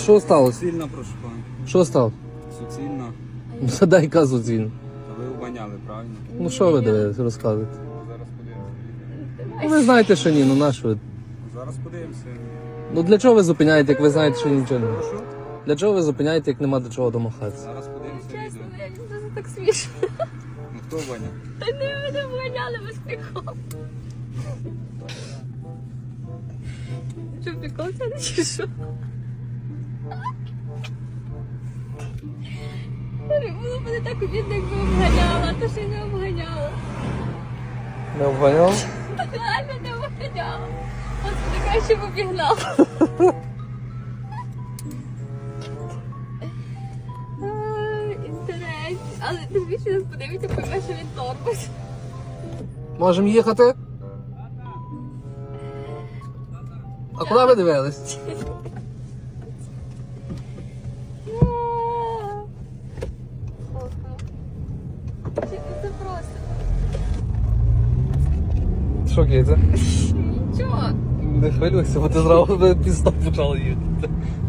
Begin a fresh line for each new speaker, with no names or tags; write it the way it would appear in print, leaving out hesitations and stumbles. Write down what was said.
що сталося?
Суцільна, прошу пана.
Що сталося?
Суцільна.
Задай казу дзвін.
Та ви обаняли, правильно?
Ну що ви дивитесь, розказуєте?
Зараз подивимося.
Ну ви знаєте, що ні, ну на що ви?
Зараз подивимося.
Ну для чого ви зупиняєте, як ви знаєте, що нічого немає?
Прошу?
Для чого ви зупиняєте, як нема до чого домахатися?
Зараз подивимося
Чесно,
відео.
це так смішно.
Ну хто обаняв?
Та не мене вганяли без приколу. Що, прикол це не чи що? Було б не так обідно, якби обганяла, а то ще й не обганяла.
Не обганяв?
Реально не обганяла. От ти краще б обігнала. Інтерес. Але ти більше нас подивиться, пойме, що він торбить.
Можемо їхати? А куди ви дивились?
Це просто.
Що Кейтя?
Нічого.
Не хвилюйся, бо ти зразу пізно почала їхати.